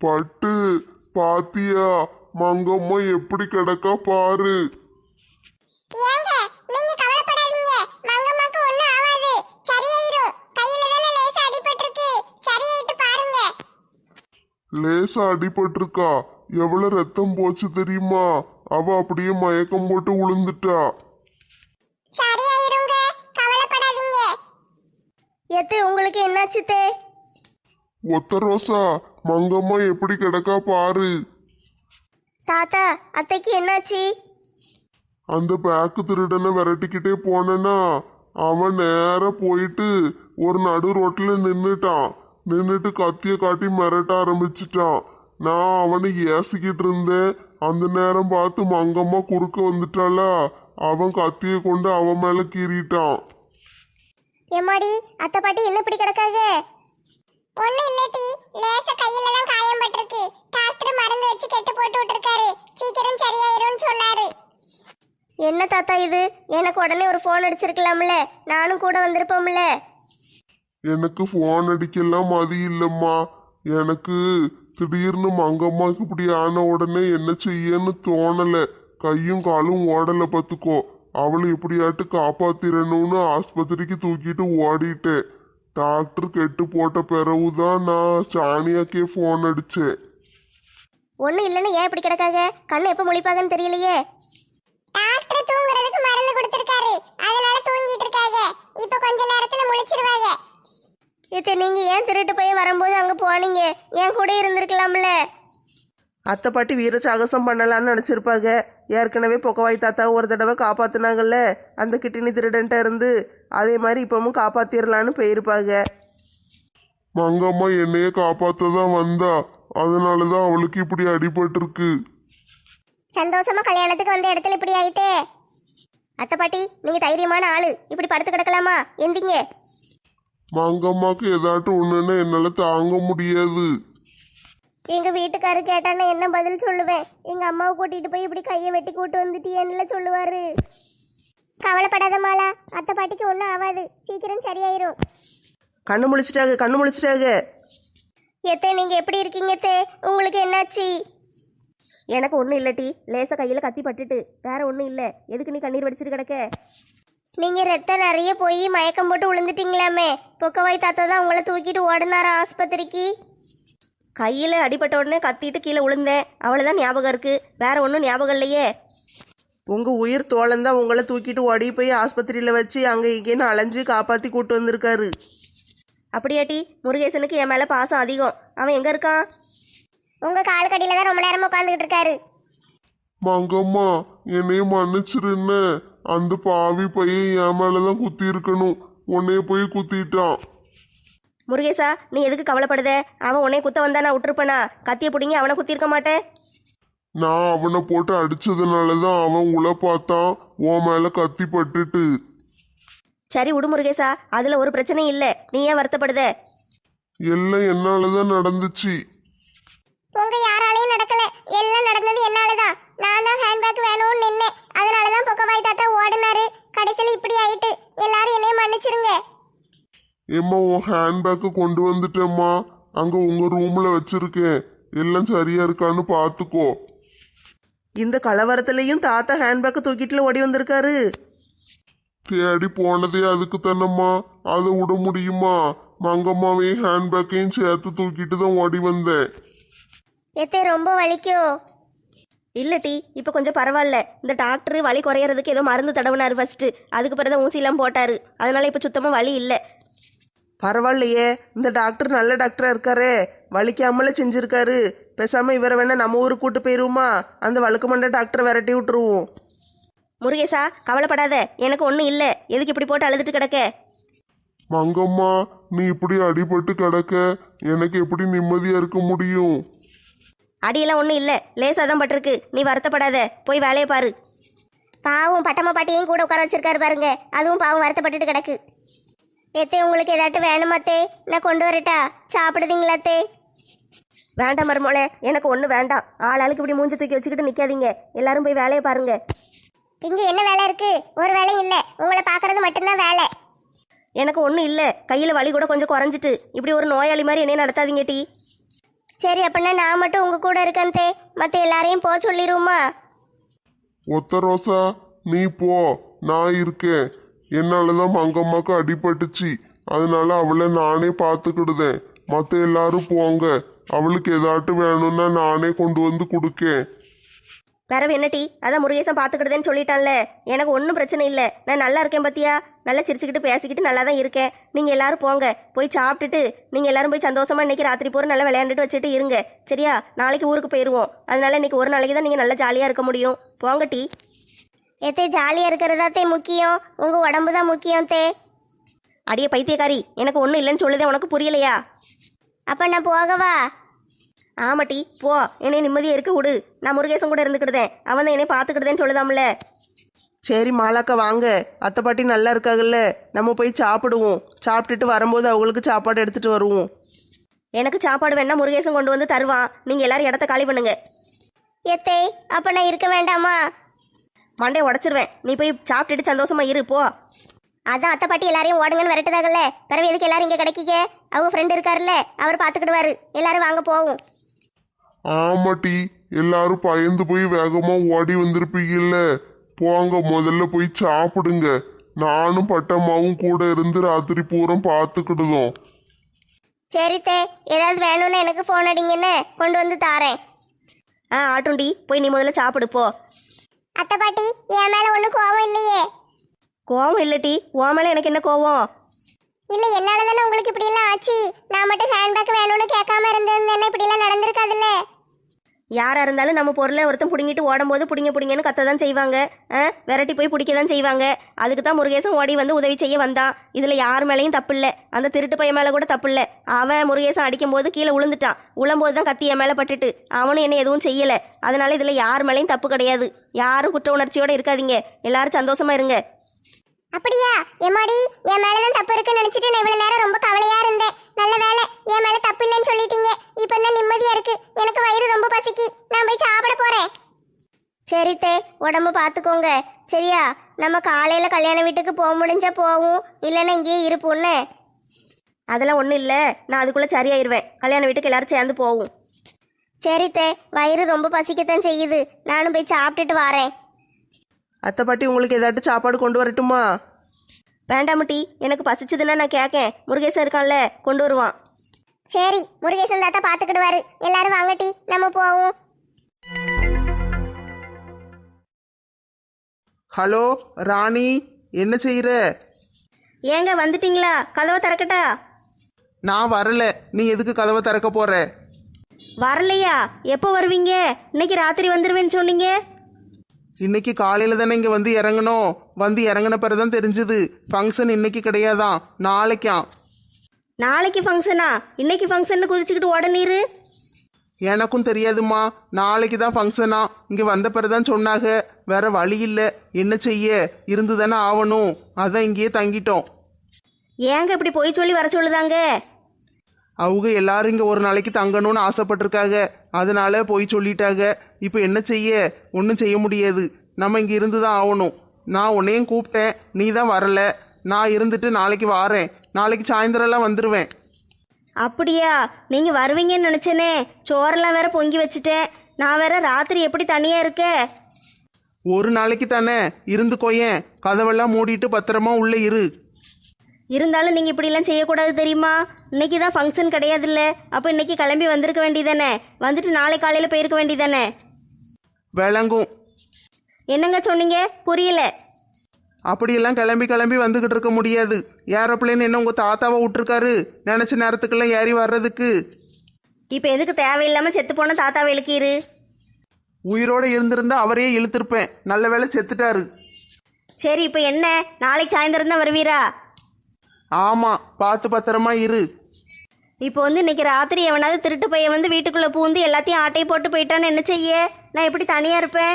பட்டு பாத்தியா, மங்கம்மா எப்படி கிடக்கா பாரு. ஏங்க நீங்க கவலைப்படாதீங்க, மங்கம்மாக்கு ஒண்ணும் ஆகாது, சரியாயிரும். கையில தான லேசா அடிபட்டிருக்கு, சரியாயிட்டு பாருங்க. லேசா அடிபட்டிருக்கா? எவ்வளவு ரத்தம் போச்சு தெரியுமா? அவ அப்படியே மயக்கம் போட்டு விழுந்துட்டா. சரியாயிருங்க, கவலைப்படாதீங்க. எத்து உங்களுக்கு என்னாச்சு தே? ஒத்த ரோசா, மங்கம்மா எப்படி கிடக்கா பாரு. தாத்தா அத்தைக்கு என்னாச்சு? அந்த பேக்கு திருடனை விரட்டிக்கிட்டே போனேன்னா அவன் நேரா போயிட்டு ஒரு நடு ரோட்ல நின்னுட்டு கத்திய காட்டி மிரட்ட ஆரம்பிச்சிட்டான். நான் அவனை ஏசிக்கிட்டு இருந்தேன். அந்த நேரம் பார்த்து மங்கம்மா குறுக்க வந்துட்டாளா, அவன் கத்திய கொண்டு அவன் மேல கீறிட்டான். எம்மாடி அத்தை பாட்டி என்ன இப்படி கிடக்காக? ஒண்ணும் இல்லட்டி, லேசா கையில தான் காயம் பட்டிருக்கு. டாக்டர் மருந்து வச்சு கெட்டு போட்டு விட்டுருக்காரு, சீக்கிரம் சரியாயிரும்னு சொன்னாரு. என்ன தாத்தா இது? எனக்கு உடனே ஒரு ஃபோன் அடிச்சிருக்கலாம்ல, நானும் கூட வந்திருப்போம்ல. எனக்கு போன் அடிக்கலாம் மதி இல்லம்மா. எனக்கு திடீர்னு மங்கம்மாக்கு இப்படி ஆன உடனே என்ன செய்யன்னு தோணல. கையும் காலும் ஓடல பத்துக்கோ. அவளை எப்படியாட்டு காப்பாத்திரணும்னு ஆஸ்பத்திரிக்கு தூக்கிட்டு ஓடிட்டேன். டாக்டர் கெட்டு போட்ட பிறகுதான் நான் சாணியாக்கே போன் அடிச்சேன். ஒன்றும் இல்லைன்னு ஏன் இப்படி கிடக்காக? கண்ணு எப்போ முழிப்பாங்கன்னு தெரியலையே. டாக்டர் தூங்குறதுக்கு மருந்து கொடுத்திருக்காரு, அதனால தூங்கிட்டு இருக்காங்க. இப்ப கொஞ்ச நேரத்துல முழிச்சிருவாங்க. இத்தை நீங்கள் ஏன் திருட்டு போய் வரும்போது அங்கே போனீங்க? என் கூட இருந்திருக்கலாம்ல. அத்தை பாட்டி வீர சாகசம் பண்ணலான்னு நினச்சிருப்பாங்க. ஏற்கனவே பொக்கவாய் தாத்தா ஒரு தடவை காப்பாற்றினாங்கல்ல அந்த கிட்டினி திருடன்ட்ட இருந்து. அதே மாதிரி இப்பவும் காப்பாற்றிடலான்னு போயிருப்பாங்க. மங்கம்மா என்னைய காப்பாத்ததான் வந்தா, அதனாலதான் அவளுக்கு இப்படி அடிபட்டிருக்கு. சந்தோஷமா கல்யாணத்துக்கு வந்த இடத்துல இப்படி ஆயிட்டே. அத்தை பாட்டி நீங்கள் தைரியமான ஆளு, இப்படி படுத்து கிடக்கலாமா? எந்திங்க. மங்கம்மாக்கு ஏதாட்டும் ஒண்ணுன்னா என்னால தாங்க முடியாது. எங்கள் வீட்டுக்காரு கேட்டான்னா என்ன பதில் சொல்லுவேன்? எங்கள் அம்மாவை கூட்டிகிட்டு போய் இப்படி கையை வெட்டி கூட்டு வந்துட்டியேன்னு சொல்லுவார். கவலைப்படாத மாலா, அத்தை பாட்டிக்கு ஒன்றும் ஆகாது, சீக்கிரம் சரியாயிரும். கண்ணு முழிச்சிட்டாங்க. எத்தே நீங்கள் எப்படி இருக்கீங்க தே? உங்களுக்கு என்னாச்சு? எனக்கு ஒன்றும் இல்லட்டி, லேசாக கையில் கத்தி பட்டுட்டு, வேற ஒன்றும் இல்லை. எதுக்கு நீ கண்ணீர் வடிச்சிட்டு கிடக்க? நீங்கள் ரத்தம் நிறைய போய் மயக்கம் போட்டு விழுந்துட்டீங்களாமே. பொக்கவாய் தாத்தா தான் உங்களை தூக்கிட்டு ஓடினாரா ஆஸ்பத்திரிக்கு? கையில் அடிபட்ட உடனே கத்திட்டு கீழே விழுந்தேன், அவ்வளோதான் ஞாபகம் இருக்குது. வேற ஒன்றும் ஞாபகம் இல்லையே. உங்கள் உயிர் தோழந்தான் உங்களை தூக்கிட்டு ஓடி போய் ஆஸ்பத்திரியில் வச்சு அங்கே இங்கேன்னு அலைஞ்சு காப்பாற்றி கூட்டு வந்திருக்காரு. அப்படியாட்டி? முருகேசனுக்கு என் மேலே பாசம் அதிகம். அவன் எங்கே இருக்கான்? உங்க கால் கடியில தான் ரொம்ப நேரமா உட்கார்ந்துகிட்டு இருக்காரு. மங்கம்மா என்னைய மன்னிச்சிருன்னு. அந்த பாவி பையன் என் மேலதான் குத்தி இருக்கணும், உன்னைய போய் குத்திட்டான். முருகேசா நீ எதுக்கு கவலைப்படுத? அவன் உன்னை குத்த வந்தா நான் விட்டுருப்பேனா? கத்தியை பிடிங்கி அவனை குத்திருக்க மாட்டேன். நான் அவனை போட்டு அடிச்சதுனாலதான் அவன் உள்ள பார்த்தான், உன் மேல கத்தி பட்டுட்டு. சரி விடு முருகேசா, அதில் ஒரு பிரச்சனையும் இல்லை. நீ ஏன் வருத்தப்படுத? எல்லாம் என்னாலதான் நடந்துச்சு. உங்க யாராலையும் நடக்கல, எல்லாம் நடந்தது என்னாலதான். நான் தான் ஹேண்ட்பேக் வேணும்னு நின்னேன், அதனாலதான் பொக்கவாய் தாத்தா ஓடினாரு. கடைசியில் இப்படி ஆயிட்டு. எல்லாரும் என்னைய மன்னிச்சிருங்க. ஏம்மா உன் ஹேண்ட்பேக்கை கொண்டு வந்துட்டேம்மா, அங்க உங்க ரூம்ல வச்சிருக்கேன். எல்லாம் சரியா இருக்கான்னு பாத்துக்கோ. இந்த கலவரத்துலேயும் தாத்தா ஹேண்ட்பேக்கை தூக்கிட்டுல ஓடி வந்திருக்காரு. தேடி போனதே அதுக்கு தானம்மா, அதை விட முடியுமா? மங்கம்மாவையும் ஹேண்ட்பேக்கையும் சேர்த்து தூக்கிட்டு தான் ஓடி வந்தேன். எத்தே ரொம்ப வலிக்கோ? இல்லட்டி இப்போ கொஞ்சம் பரவாயில்ல. இந்த டாக்டர் வலி குறையறதுக்கு ஏதோ மருந்து தடவினார் ஃபர்ஸ்ட், அதுக்கு பிறகு தான் ஊசிலாம் போட்டாரு. அதனால இப்போ சுத்தமாக வலி இல்லை. பரவாயில்லையே, இந்த டாக்டர் நல்ல டாக்டராக இருக்காரே, வலிக்காமலே செஞ்சுருக்காரு. பேசாமல் இவரை வேணா நம்ம ஊருக்கு கூட்டு போயிடுவோமா? அந்த வழுக்கு மண்ட டாக்டரை விரட்டி விட்டுருவோம். முருகேசா கவலைப்படாத, எனக்கு ஒன்றும் இல்லை. எதுக்கு இப்படி போட்டு அழுதுட்டு கிடக்க? மங்கம்மா நீ இப்படி அடிபட்டு கிடக்க, எனக்கு எப்படி நிம்மதியா இருக்க முடியும்? அடியெல்லாம் ஒன்றும் இல்லை, லேசாக தான் பட்டிருக்கு. நீ வருத்தப்படாத, போய் வேலையை பாரு. பாவம் பட்டம்மா பாட்டியையும் கூட உட்கார வச்சிருக்காரு பாருங்க, அதுவும் பாவம் வருத்தப்பட்டுட்டு கிடக்கு. எத்தே உங்களுக்கு ஏதாட்டும் வேணுமாத்தே? நான் கொண்டு வரட்டா? சாப்பிடுதீங்களாத்தே? வேண்டாம் மருமோளே, எனக்கு ஒன்றும் வேண்டாம். ஆளுக்கு இப்படி மூஞ்சி தூக்கி வச்சுக்கிட்டு நிற்காதீங்க. எல்லாரும் போய் வேலையை பாருங்க. இங்க என்ன வேலை இருக்கு? ஒரு வேலையும் இல்ல, உங்களை பாக்குறது மட்டும்தான் வேலை. எனக்கு ஒன்றும் இல்லை, கையில் வலி கூட கொஞ்சம் குறைஞ்சிட்டு. இப்படி ஒரு நோயாளி மாதிரி என்னைய நடத்தாதீங்க டி. சரி அப்படின்னா நான் மட்டும் உங்க கூட இருக்கேன் தே, மற்ற எல்லாரையும் போக சொல்லிடுவோமா? ஒத்த ரோசா நீ போ, நான் இருக்கேன். என்னாலதான் மங்கம்மாக்கு அடிபட்டுச்சு, அதனால அவளை நானே பார்த்துக்கிடுதேன். மற்ற எல்லாரும் போங்க, அவளுக்கு ஏதாட்டும் வேணும்னா நானே கொண்டு வந்து கொடுக்கேன். வேற என்ன டீ, அதான் முருகேசன் பார்த்துக்கிடுதேன்னு சொல்லிட்டான்ல, எனக்கு ஒன்றும் பிரச்சனை இல்லை. நான் நல்லா இருக்கேன் பத்தியா, நல்லா சிரிச்சுக்கிட்டு பேசிக்கிட்டு நல்லா தான் இருக்கேன். நீங்கள் எல்லாரும் போங்க, போய் சாப்பிட்டுட்டு நீங்கள் எல்லாரும் போய் சந்தோஷமா இன்னைக்கு ராத்திரி பூரா நல்லா விளையாண்டுட்டு வச்சுட்டு இருங்க. சரியா? நாளைக்கு ஊருக்கு போயிடுவோம். அதனால இன்னைக்கு ஒரு நாளைக்கு தான் நீங்கள் நல்லா ஜாலியாக இருக்க முடியும். போங்க டீ. எத்தே ஜாலியாக இருக்கிறதாத்தே முக்கியம், உங்கள் உடம்பு தான் முக்கியம் தே. அடியே பைத்தியக்காரி, எனக்கு ஒன்றும் இல்லைன்னு சொல்லுதே, உனக்கு புரியலையா? அப்போ நான் போகவா? ஆமாட்டி போ, என்னை நிம்மதியாக இருக்க விடு. நான் முருகேசன் கூட இருந்துக்கிடுதேன், அவன் தான் என்னை பார்த்துக்கிடுதேன்னு சொல்லுதாம்ல. சரி மாலாக்கா வாங்க, அத்தை பாட்டி நல்லா இருக்காங்கல்ல, நம்ம போய் சாப்பிடுவோம். சாப்பிட்டுட்டு வரும்போது அவங்களுக்கு சாப்பாடு எடுத்துட்டு வருவோம். எனக்கு சாப்பாடு வேணா முருகேசன் கொண்டு வந்து தருவான். நீங்கள் எல்லாரும் இடத்த காலி பண்ணுங்க. எத்தே அப்போ நான் இருக்க வேண்டாமா? மண்டே உடச்சிருவேன். நீ போய் சாப்பிட்டுட்டு சந்தோஷமா இரு போ. அதான் அத்தை பாட்டி எல்லாரையும் ஓடுங்கன்னு விரட்டுதாகல்ல, பிறகு எதுக்கு எல்லாரும் இங்கே கிடைக்கிக்க? அவங்க ஃப்ரெண்டு இருக்காருல்ல, அவர் பார்த்துக்கிடுவாரு. எல்லாரும் வாங்க போவோம். ஆமாட்டி, எல்லாரும் பயந்து போய் வேகமா ஓடி வந்திருப்பீங்கல்ல. போங்க, முதல்ல போய் சாப்பிடுங்க. நானும் பட்டம்மாவும் கூட இருந்து ராத்திரி பூரம் பார்த்துக்கிடுதோம். சரித்தே, ஏதாவது வேணும்னா எனக்கு ஃபோன் அடிங்கன்னு கொண்டு வந்து தாரேன். ஆட்டுண்டி, போய் நீ முதல்ல சாப்பிடு போ. அத்தை பாட்டி என் மேலே ஒன்றும் கோவம் இல்லையே? கோவம் இல்லட்டி, உன் மேலே எனக்கு என்ன கோவம்? இல்லை, என்னால தானே உங்களுக்கு இப்படியெல்லாம் ஆச்சு. நான் மட்டும் ஹேண்ட்பேக் வேணும்னு கேட்காம இருந்திருந்தேன்னா இப்படியெல்லாம் நடந்திருக்காதுல்ல. யாராக இருந்தாலும் நம்ம பொருளை ஒருத்தன் பிடுங்கிட்டு ஓடும்போது பிடிங்கன்னு கத்த தான் செய்வாங்க. விரட்டி போய் பிடிக்க தான் செய்வாங்க. அதுக்கு தான் முருகேசன் ஓடி வந்து உதவி செய்ய வந்தான். இதில் யார் மேலேயும் தப்பு இல்லை. அந்த திருட்டு பையன் மேலே கூட தப்பு இல்லை. அவன் முருகேசன் அடிக்கும்போது கீழே விழுந்துட்டான். உழும்போது தான் கத்தி என் மேலே பட்டுட்டு அவனும் என்ன எதுவும் செய்யலை. அதனால இதில் யார் மேலேயும் தப்பு கிடையாது. யாரும் குற்ற உணர்ச்சியோடு இருக்காதீங்க. எல்லாரும் சந்தோஷமா இருங்க. அப்படியா? எம்மாடி, என் மேலதான் தப்பு இருக்குன்னு நினைச்சிட்டு நான் இவ்வளவு நேரம் ரொம்ப கவலையா இருந்தேன். நல்ல வேலை, என் மேல தப்பு இல்லைன்னு சொல்லிட்டீங்க. இப்ப தான் நிம்மதியா இருக்கு. எனக்கு வயிறு ரொம்ப பசிக்கு, நான் போய் சாப்பிட போறேன். சரித்தே, உடம்பு பார்த்துக்கோங்க. சரியா? நம்ம காலையில கல்யாண வீட்டுக்கு போக முடிஞ்சா போவோம், இல்லைன்னா இங்கேயே இருப்போம்னு. அதெல்லாம் ஒன்றும் இல்லை, நான் அதுக்குள்ளே சரியாயிருவேன். கல்யாண வீட்டுக்கு எல்லாரும் சேர்ந்து போவோம். சரித்தே, வயிறு ரொம்ப பசிக்கத்தான் செய்யுது. நானும் போய் சாப்பிட்டுட்டு வரேன். அத்தை பாட்டி உங்களுக்கு ஏதாட்டும் சாப்பாடு கொண்டு வரட்டுமா? வேண்டாமட்டி, எனக்கு பசிச்சதுன்னா நான் கேட்கேன். முருகேசன் இருக்கான்ல, கொண்டு வருவான். சரி, முருகேசன் தாத்தா பார்த்துக்கிடுவாரு. எல்லாரும் வாங்கட்டி, நம்ம போவோம். ஹலோ ராணி, என்ன செய்யற? ஏங்க வந்துட்டீங்களா? கதவை திறக்கட்டா? நான் வரல, நீ எதுக்கு கதவை திறக்க போற? வரலையா? எப்போ வருவீங்க? இன்னைக்கு ராத்திரி வந்துருவேன்னு சொன்னீங்க. இன்னைக்கு காலையில தானே இங்க வந்து இறங்கணும். வந்து இறங்கின பிறகுதான் தெரிஞ்சது ஃபங்க்ஷன் இன்னைக்கு கிடையாதான், நாளைக்காம். நாளைக்கு ஃபங்க்ஷனா? இன்னைக்கு ஃபங்க்ஷன் குதிச்சுக்கிட்டு உடனீரு. எனக்கும் தெரியாதுமா, நாளைக்கு தான் ஃபங்க்ஷனா. இங்க வந்த பிறகுதான் சொன்னாங்க. வேற வழி இல்லை, என்ன செய்ய, இருந்து தானே ஆகணும். அதான் இங்கேயே தங்கிட்டோம். ஏங்க இப்படி போய் சொல்லி வர சொல்லுதாங்க? அவங்க எல்லாரும் இங்க ஒரு நாளைக்கு தங்கணும்னு ஆசைப்பட்டிருக்காங்க, அதனால போய் சொல்லிட்டாங்க. இப்போ என்ன செய்ய, ஒன்றும் செய்ய முடியாது. நம்ம இங்க இருந்து தான் ஆகணும். நான் உன்னையும் கூப்பிட்டேன், நீ தான் வரல. நான் இருந்துட்டு நாளைக்கு வாரேன். நாளைக்கு சாயந்தரம்லாம் வந்துடுவேன். அப்படியா? நீங்கள் வருவீங்கன்னு நினச்சேனே. சோறெல்லாம் வேற பொங்கி வச்சுட்டேன். நான் வேற ராத்திரி எப்படி தனியாக இருக்க? ஒரு நாளைக்கு தானே இருந்துக்கோயேன். கதவெல்லாம் மூடிட்டு பத்திரமா உள்ள இரு. இருந்தாலும் நீங்கள் இப்படிலாம் செய்யக்கூடாது தெரியுமா? இன்னைக்கு தான் ஃபங்க்ஷன் கிடையாதுல்ல. அப்போ இன்னைக்கு கிளம்பி வந்திருக்க வேண்டியதானே. வந்துட்டு நாளை காலையில் போயிருக்க வேண்டியதானே. விளங்கும். என்னங்க சொன்னீங்க? புரியல. அப்படியெல்லாம் கிளம்பி கிளம்பி வந்துகிட்டு இருக்க முடியாது. ஏரோப்ளேன் என்ன உங்க தாத்தாவை விட்டுருக்காரு நினைச்ச நேரத்துக்கெல்லாம் ஏறி வர்றதுக்கு? இப்போ எதுக்கு தேவையில்லாமல் செத்து போன தாத்தாவை இழுக்கீரு? உயிரோட இருந்திருந்தா அவரையே இழுத்திருப்பேன். நல்ல வேளை செத்துட்டாரு. சரி, இப்போ என்ன, நாளைக்கு சாயந்தரம் தான் வருவீரா? ஆமா, பார்த்து பத்திரமா இரு. இப்போ வந்து இன்னைக்கு ராத்திரி எவனாவது திருட்டு பையன் வந்து வீட்டுக்குள்ளே பூந்து எல்லாத்தையும் ஆட்டை போட்டு போயிட்டான்னு என்ன செய்ய? நான் எப்படி தனியாக இருப்பேன்?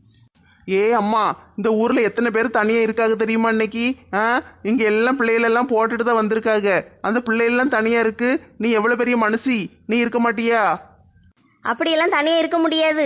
ஏ அம்மா, இந்த ஊர்ல எத்தனை பேர் தனியா இருக்காங்க தெரியுமா இன்னைக்கு? இங்க எல்லாம் பிள்ளைகளெல்லாம் போட்டுட்டு தான் வந்திருக்காங்க. அந்த பிள்ளைகள்லாம் தனியா இருக்கு. நீ எவ்வளவு பெரிய மனுஷி, நீ இருக்க மாட்டியா? அப்படியெல்லாம் தனியாக இருக்க முடியாது.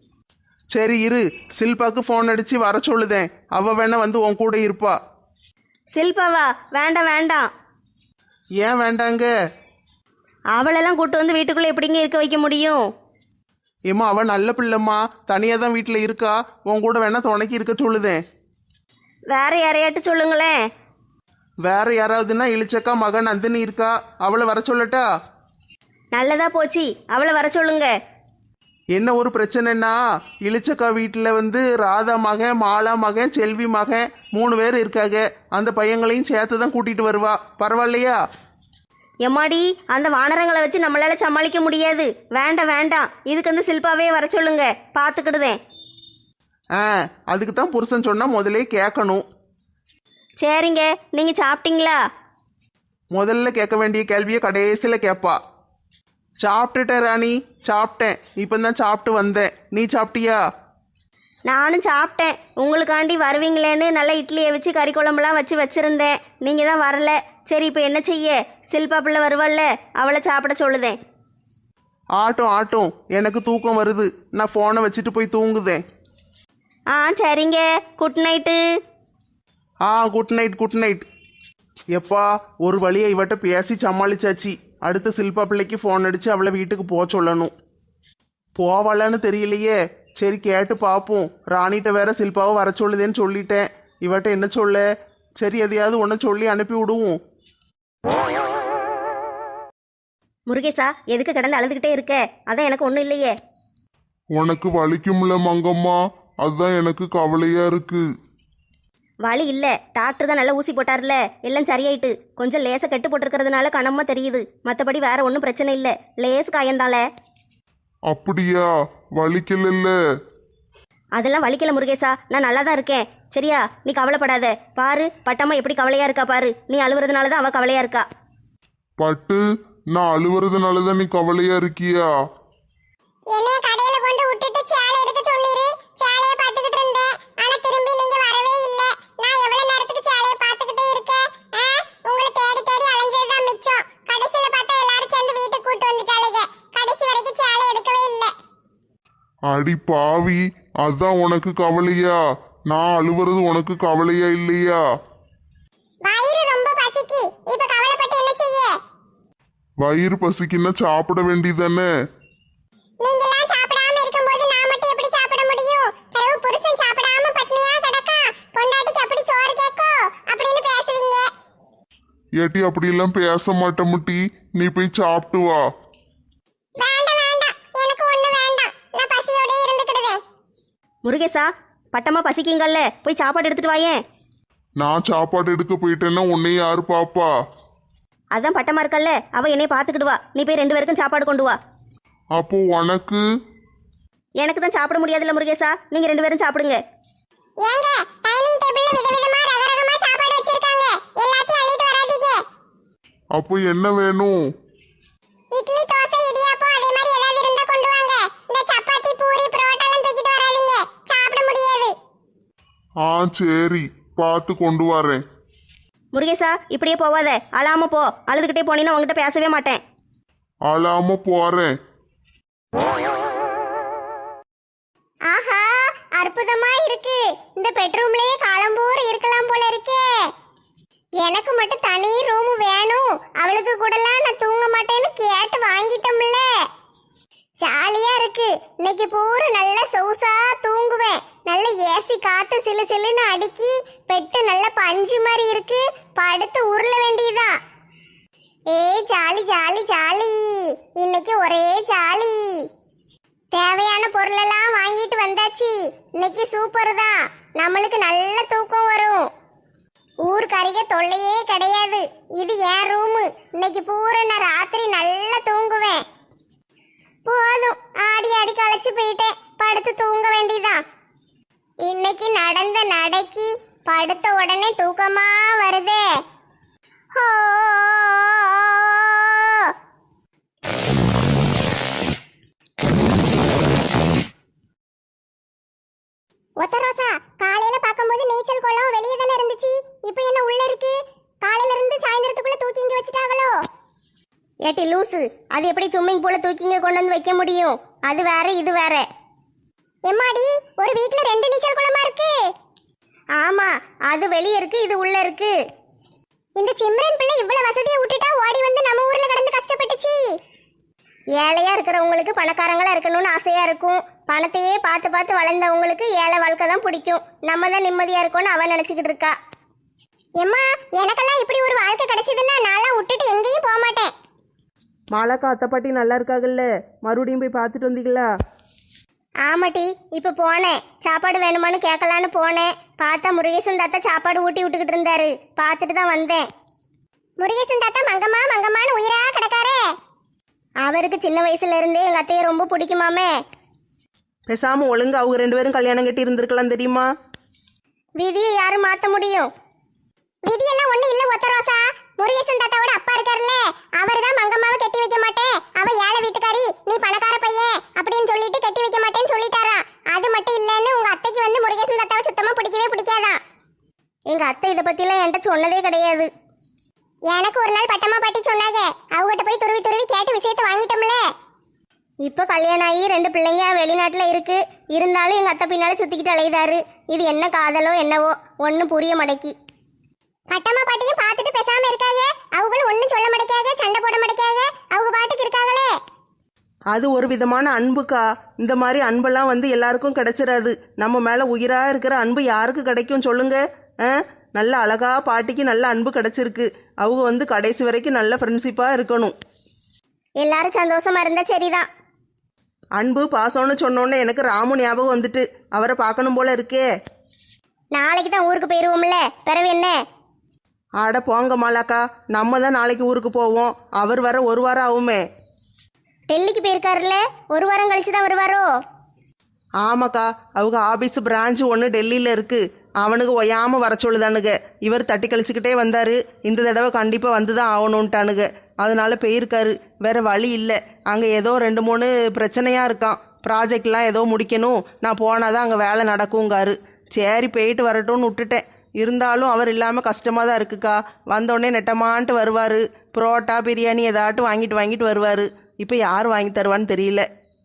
சரி இரு, சில்பாக்கு ஃபோன் அடிச்சு வர சொல்லுதேன். அவ வேணா வந்து உன் கூட இருப்பா. சில்பாவா? வேண்டாம் வேண்டாம். ஏன் வேண்டாங்க? அவளெல்லாம் கூட்டு வந்து வீட்டுக்குள்ளே எப்படிங்க இருக்க வைக்க முடியும்? ஏம்மா அவ நல்ல பிள்ளைம்மா, தனியாக தான் வீட்டில் இருக்கா. உன் கூட வேணா துணைக்கு இருக்க சொல்லுதேன். வேற யாரையாட்டு சொல்லுங்களேன். வேற யாராவதுன்னா இளிச்சக்கா மகன் நந்தினி இருக்கா, அவளை வர சொல்லட்டா? நல்லதா போச்சு, அவளை வர சொல்லுங்க. என்ன ஒரு பிரச்சனைன்னா, இளிச்சக்கா வீட்டில் வந்து ராதா மகன், மாலா மகன், செல்வி மகன் 3 பேர் இருக்காங்க. அந்த பையங்களையும் சேர்த்து தான் கூட்டிகிட்டு வருவா. பரவாயில்லையா? எம்மாடி, அந்த வானரங்களை வச்சு நம்மளால சமாளிக்க முடியாது. வேண்டாம் வேண்டாம், இதுக்கு வந்து சில்பாவே வர சொல்லுங்க, பார்த்துக்கிடுதேன். அதுக்கு தான் புருஷன் சொன்னால் முதலே கேட்கணும். சரிங்க, நீங்கள் சாப்பிட்டீங்களா? முதல்ல கேட்க வேண்டிய கேள்வியை கடைசியில் கேட்பா. சாப்பிட்டுட்டேன் ராணி, சாப்பிட்டேன். இப்போ தான் சாப்பிட்டு வந்தேன். நீ சாப்பிட்டியா? நானும் சாப்பிட்டேன். உங்களுக்காண்டி வருவீங்களேன்னு நல்ல இட்லியை வச்சு கறி குழம்புலாம் வச்சு வச்சுருந்தேன். நீங்கள் தான் வரல. சரி, இப்போ என்ன செய்ய? சில்பா பிள்ளை வருவாள்ல, அவளை சாப்பிட சொல்லுதேன். ஆட்டும் ஆட்டும், எனக்கு தூக்கம் வருது. நான் ஃபோனை வச்சுட்டு போய் தூங்குதேன். சரிங்க, good night. Good night good night. எப்பா, ஒரு வழியை இவட்ட பேசி சமாளிச்சாச்சு. அடுத்து சில்பா பிள்ளைக்கு ஃபோன் அடித்து அவளை வீட்டுக்கு போக சொல்லணும். போவாளான்னு தெரியலையே. சரி, கேட்டு பார்ப்போம். ராணிகிட்ட வேற சில்பாவை வர சொல்லுதேன்னு சொல்லிட்டேன். இவட்ட என்ன சொல்ல? சரி, எதையாவது ஒன்று சொல்லி அனுப்பி விடுவோம். முருகேசா, எதுக்கு கிடந்து அழுதுகிட்டே இருக்க? அதான் எனக்கு ஒன்றும் இல்லையே. உனக்கு வலிக்கும்ல மங்கம்மா, அதுதான் எனக்கு கவலையா இருக்கு. வலி இல்லை, டாக்டர் தான் நல்லா ஊசி போட்டார்ல, எல்லாம் சரியாயிட்டு. கொஞ்சம் லேச கெட்டு போட்டிருக்கிறதுனால கனமா தெரியுது. மற்றபடி வேற ஒன்றும் பிரச்சனை இல்லை. லேஸ் காயந்தால. அப்படியா? வலிக்கல? அதெல்லாம் வலிக்கல முருகேசா, நான் நல்லா தான் இருக்கேன். சரியா, நீ கவலைப்படாத. பாரு, பட்டம்மா எப்படி கவலையா இருக்கா பாரு. நீ அழுவுறதுனால தான் அவ கவலையா இருக்கா. பட்டு, நான் அழுவுறதுனாலதான் நீ கவலையா இருக்கியா? என்னைய கடையில கொண்டு விட்டுட்டு சேலை எடுக்க சொன்னீரு. சேலைய பாத்துக்கிட்டு இருந்தேன். ஆனா திரும்பி நீங்க வரவே இல்ல. நான் எவ்வளவு நேரத்துக்கு சேலைய பாத்துக்கிட்டே இருக்கேன்? உங்களை தேடி தேடி அலைஞ்சதுதான் மிச்சம். கடைசியில பார்த்தா எல்லாரும் சேர்ந்து வீட்டுக்கு கூட்டு வந்துட்டாளுங்க. கடைசி வரைக்கும் சேலை எடுக்கவே இல்ல. அடி பாவி, அதான் உனக்கு கவலையா? நான் அழுவுறது உனக்கு கவலையா இல்லையா? வயிறு ரொம்ப பசிக்கு. இப்ப கவலைப்பட்டு என்ன செய்ய? வயிறு பசிக்குன்னா சாப்பிட வேண்டியதானே? நீங்கலாம் சாப்பிடாம இருக்கும்போது நான் மட்டும் எப்படி சாப்பிட முடியும்? பிறகு புருஷன் சாப்பிடாம பட்னியா கிடக்கா, பொண்டாட்டிக்கு அப்படி சோறு கேக்கோ அப்படின்னு பேசுவீங்க. ஏட்டி, அப்படியெல்லாம் பேச மாட்டேன் முட்டி. நீ போய் சாப்பிட்டு வா. வேண்டாம் வேண்டாம், எனக்கு ஒண்ணு வேண்டாம். நான் பசியோட இருந்துக்கிடுவேன். முருகேசா, பட்டம்மா பசிக்குங்கல்ல, போய் சாப்பாடு எடுத்துட்டு வாயேன். நான் சாப்பாடு எடுக்க போயிட்டேன்னா உன்னை யாரு பாப்பா? அதான் பட்டம்மா இருக்கல்ல, அவ என்னைய பார்த்துக்கிடுவா. நீ போய் 2 பேருக்கும் சாப்பாடு கொண்டு வா. அப்போ உனக்கு? எனக்கு தான் சாப்பிட முடியாதுல்ல முருகேசா, நீங்க 2 பேரும் சாப்பிடுங்க. ஏங்க, டைனிங் டேபிள்ல விதவிதமா ரகரகமா சாப்பாடு வச்சிருக்காங்க. எல்லாத்தையும் அள்ளிட்டு வராதீங்க. அப்போ என்ன வேணும்? இட்லி, தோசை, இடியாப்பம் அதே மாதிரி ஏதாவது இருந்தா கொண்டு வாங்க. இந்த சப்பாத்தி, பூரி, புரோட்டாலாம் தூக்கிட்டு வராதீங்க. சாப்பிட முடியாது. சரி, பார்த்து கொண்டு வரேன். முருகேசா, இப்படியே போவாத, அழாம போ. அழுதுகிட்டே போனீங்கன்னா உங்ககிட்ட பேசவே மாட்டேன். அழாம போறேன். ஆஹா, அற்புதமா இருக்கு. இந்த பெட்ரூம்லயே காலம்பூர் இருக்கலாம் போல இருக்கே. எனக்கு மட்டும் தனி ரூம் வேணும். அவளுக்கு கூடலாம் நான் தூங்க மாட்டேன்னு கேட்டு வாங்கிட்டோம்ல. ஜாலியா இருக்கு. இன்னைக்கு பூரா நல்லா சொகுசா தூங்குவேன். நல்ல ஏசி காத்து சிலு சிலுன்னு அடிக்கி, பெட்டு நல்ல பஞ்சு மாதிரி இருக்கு. படுத்து உருள வேண்டியதான். Jolly jolly jolly. இன்னைக்கு ஒரே ஜாலி. தேவையான பொருளெல்லாம் வாங்கிட்டு வந்தாச்சு. இன்னைக்கு சூப்பர் தான். நம்மளுக்கு நல்ல தூக்கம் வரும். ஊர்க்கறிக தொல்லையே கிடையாது. இது என் ரூமு. இன்னைக்கு பூரா நான் ராத்திரி நல்லா தூங்குவேன். போதும், ஆடி ஆடி களைச்சு போயிட்டேன். படுத்து தூங்க வேண்டியதான். இன்னைக்கு நடந்த நடைக்கு படுத்த உடனே தூக்கமா வருதே. ஹோ, ஒத்த ரோசா, காலையில பாக்கும்போது நீச்சல் குளம் வெளியே தானே இருந்துச்சு. இப்போ என்ன உள்ள இருக்கு? காலையில இருந்து சாயந்தரத்துக்குள்ள தூக்கி இங்க வச்சுட்டாங்களோ? ஏட்டி லூசு, அது எப்படி ஸ்விம்மிங் பூல தூக்கிங்க கொண்டு வந்து வைக்க முடியும்? அது வேற இது வேற. எம்மாடி, ஒரு வீட்ல 2 நீச்சல் குளமா இருக்கு. ஆமா, அது வெளியே இருக்கு, இது உள்ள இருக்கு. இந்த சிம்ரன் பிள்ளை இவ்வளவு வசதியை விட்டுட்டா ஓடி வந்து நம்ம ஊர்ல கிடந்து கஷ்டப்பட்டுச்சு. ஏழையா இருக்கிறவங்களுக்கு பணக்காரங்களா இருக்கணும்னு ஆசையா இருக்கும். பணத்தையே பார்த்து பார்த்து வளர்ந்தவங்களுக்கு ஏழை வாழ்க்கை தான் பிடிக்கும். நம்ம தான் நிம்மதியா இருக்கோம்னு அவன் நினைச்சுக்கிட்டு இருக்கா. எம்மா, எனக்கெல்லாம் இப்படி ஒரு வாழ்க்கை கிடைச்சதுன்னா நான்லாம் விட்டுட்டு எங்கேயும் போக மாட்டேன். மாலாக்கா அத்தை பாட்டி நல்லா இருக்காங்கல்ல? மறுபடியும் போய் பார்த்துட்டு வந்தீங்களா? ஆமாட்டி, இப்போ போனேன். சாப்பாடு வேணுமான்னு கேட்கலான்னு போனேன். பார்த்தா முருகேசன் தாத்தா சாப்பாடு ஊட்டி விட்டுக்கிட்டு இருந்தாரு. பார்த்துட்டு தான் வந்தேன். முருகேசன் தாத்தா மங்கம்மா மங்கம்மான்னு உயிரா கிடக்காரே. அவருக்கு சின்ன வயசுல இருந்தே எங்க அத்தையை ரொம்ப பிடிக்குமாமே. பேசாம ஒழுங்கு அவங்க 2 பேரும் கல்யாணம் கட்டி இருந்திருக்கலாம் தெரியுமா? விதியை யாரும் மாற்ற முடியும்? விதியெல்லாம் ஒண்ணு இல்ல ஒத்த ரோசா. முருகேசன் தாத்தாவோட அப்பா இருக்காருல்ல, அவர் தான் மங்கம்மாவை கட்டி வைக்க மாட்டேன், அவ ஏழை வீட்டுக்காரி, நீ பணக்கார பையன் அப்படின்னு சொல்லிட்டு கட்டி வைக்க மாட்டேன்னு சொல்லிட்டாராம். அது மட்டும் இல்லன்னு உங்க அத்தைக்கு வந்து முருகேசன் தாத்தாவை சுத்தமா பிடிக்கவே பிடிக்காதான். எங்க அத்தை இதை பத்திலாம் என்கிட்ட சொன்னதே கிடையாது. எனக்கு ஒரு நாள் பட்டம்மா பாட்டி சொன்னாங்க. அவகிட்ட போய் துருவி துருவி கேட்டு விஷயத்தை வாங்கிட்டோம்ல. இப்போ கல்யாணம் ஆகி 2 பிள்ளைங்க வெளிநாட்டுல இருக்கு. இருந்தாலும் எங்க அத்தை பின்னால சுத்திக்கிட்டு அலையுதாரு. இது என்ன காதலோ என்னவோ ஒன்னும் புரிய மாட்டேக்கி. பட்டம்மா பாட்டியும் பார்த்துட்டு பேசாம இருக்காங்க. அவங்களும் ஒன்னும் சொல்ல மாட்டேக்காக, சண்டை போட மாட்டேக்காக, அவங்க பாட்டுக்கு இருக்காங்களே. அது ஒரு விதமான அன்புக்கா. இந்த மாதிரி அன்பெல்லாம் வந்து எல்லாருக்கும் கிடைச்சிடாது. நம்ம மேல உயிரா இருக்கிற அன்பு யாருக்கு கிடைக்கும் சொல்லுங்க? நல்ல அழகா பாட்டிக்கு நல்ல அன்பு கிடைச்சிருக்கு. அவங்க வந்து கடைசி வரைக்கும் நல்ல ஃப்ரெண்ட்ஷிப்பா இருக்கணும். எல்லாரும் சந்தோஷமா இருந்தா சரிதான். அன்பு பாசம்னு சொன்னோன்னே எனக்கு ராமு ஞாபகம் வந்துட்டு அவரை பார்க்கணும் போல இருக்கே. நாளைக்கு தான் ஊருக்கு போயிருவோம்ல, பிறவு என்ன? ஆட போங்க மாலாக்கா, நம்ம தான் நாளைக்கு ஊருக்கு போவோம். அவர் வர 1 வாரம் ஆகுமே. டெல்லிக்கு போயிருக்காருல்ல, 1 வாரம் கழிச்சு தான் வருவாரோ? ஆமாக்கா, அவங்க ஆபீஸ் பிரான்ச் ஒன்று டெல்லியில் இருக்கு. அவனுக்கு ஒய்யாம வர சொல்லுதானுங்க. இவர் தட்டி கழிச்சுக்கிட்டே வந்தாரு. இந்த தடவை கண்டிப்பாக வந்து தான் ஆகணுன்ட்டானுங்க. அதனால போயிருக்காரு. வேற வழி இல்லை. அங்கே ஏதோ 2-3 பிரச்சனையாக இருக்கான். ப்ராஜெக்ட்லாம் ஏதோ முடிக்கணும். நான் போனாதான் அங்கே வேலை நடக்குங்காரு. சரி போயிட்டு வரட்டும்னு விட்டுட்டேன். இருந்தாலும் அவர் இல்லாமல் கஷ்டமாக தான் இருக்குக்கா. வந்தோடனே நெட்டமான்ட்டு வருவார். புரோட்டா பிரியாணி ஏதாட்டும் வாங்கிட்டு வருவார். இப்போ யார் வாங்கி தருவான்னு தெரியல.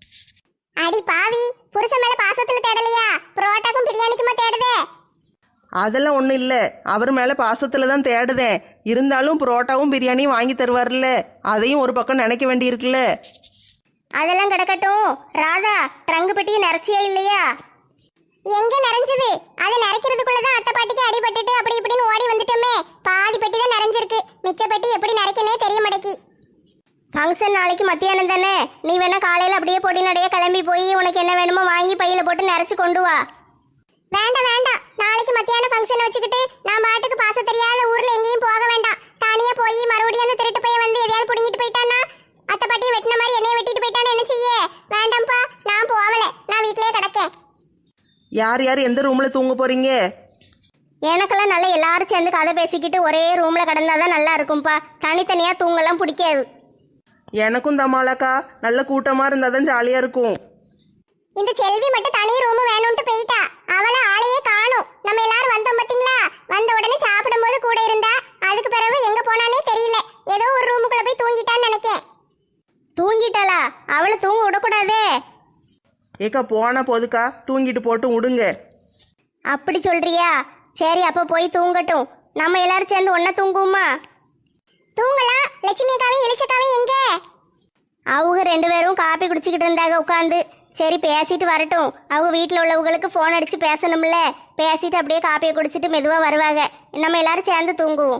அடி பாவி, புருஷன் மேல பாசத்துல தேடலையா? புரோட்டாக்கும் பிரியாணிக்குமா தேடுதே? அதெல்லாம் ஒன்றும் இல்லை. அவர் மேலே பாசத்தில் தான் தேடுதேன். இருந்தாலும் புரோட்டாவும் பிரியாணியும் வாங்கி தருவார்ல, அதையும் ஒரு பக்கம் நினைக்க வேண்டியிருக்குல்ல. அதெல்லாம் கிடக்கட்டும். ராதா, ட்ரங்கு பெட்டியை நிறைச்சியா இல்லையா? எங்க நிறைஞ்சது? அதை நிறைக்கிறதுக்குள்ளதான் அத்தை பாட்டிக்கு அடிபட்டுட்டு அப்படி இப்படின்னு ஓடி வந்துட்டோமே. பாதி பெட்டி தான் நிறைஞ்சிருக்கு. மிச்ச பெட்டி எப்படி நிறைக்கனே தெரிய மாட்டேக்கி. ஃபங்க்ஷன் நாளைக்கு மத்தியானம் தானே. நீ வேணா காலையில் அப்படியே பொடி நடைய கிளம்பி போய் உனக்கு என்ன வேணுமோ வாங்கி பையில போட்டு நிறைச்சு கொண்டு வா. வேண்டாம் வேண்டாம், நாளைக்கு மத்தியானம் ஃபங்க்ஷன் வச்சுக்கிட்டு நான் பாட்டுக்கு பாச தெரியாத ஊர்ல எங்கேயும் போக வேண்டாம். தனியா போய் மறுபடியும் அந்த திருட்டு பையன் வந்து எதையாவது புடுங்கிட்டு போயிட்டானா, அத்தை பாட்டியை வெட்டின மாதிரி என்னைய வெட்டிட்டு போயிட்டான்னு என்ன செய்ய? வேண்டாம்ப்பா, நான் போகல, நான் வீட்லயே கிடக்கேன். யார் யார் எந்த ரூமில் தூங்க போகிறீங்க? எனக்கெல்லாம் நல்லா எல்லாரும் சேர்ந்து கதை பேசிக்கிட்டு ஒரே ரூமில் கிடந்தாதான் நல்லா இருக்கும்ப்பா. தனித்தனியாக தூங்கலாம் பிடிக்காது. எனக்கும் தமாலாக்கா, நல்ல கூட்டமாக இருந்தால் தான் ஜாலியாக இருக்கும். இந்த செல்வி மட்டும் தனி ரூம் வேணும்ட்டு போயிட்டா. அவளை ஆளையே காணும். நம்ம எல்லாரும் வந்தோம் பாத்தீங்களா? வந்த உடனே சாப்பிடும்போது கூட இருந்தா. அதுக்கு பிறகு எங்க போனானே தெரியல. ஏதோ ஒரு ரூமுக்குள்ள போய் தூங்கிட்டான்னு நினைக்கேன். தூங்கிட்டாளா? அவளை தூங்க விடக்கூடாதே. ஏக்கா போனா போதுக்கா, தூங்கிட்டு போட்டு விடுங்க. அப்படி சொல்றியா? சரி, அப்போ போய் தூங்கட்டும். நம்ம எல்லாரும் சேர்ந்து ஒன்னா தூங்குவோமா? தூங்கலாம். லட்சுமி அக்காவையும் இளிச்சக்காவையும் எங்க? அவங்க 2 பேரும் காப்பி குடிச்சிக்கிட்டு இருந்தாங்க உட்காந்து. சரி பேசிட்டு வரட்டும். அவங்க வீட்டில் உள்ளவங்களுக்கு ஃபோன் அடித்து பேசணும்ல. பேசிட்டு அப்படியே காப்பியை குடிச்சிட்டு மெதுவாக வருவாங்க. நம்ம எல்லாரும் சேர்ந்து தூங்குவோம்.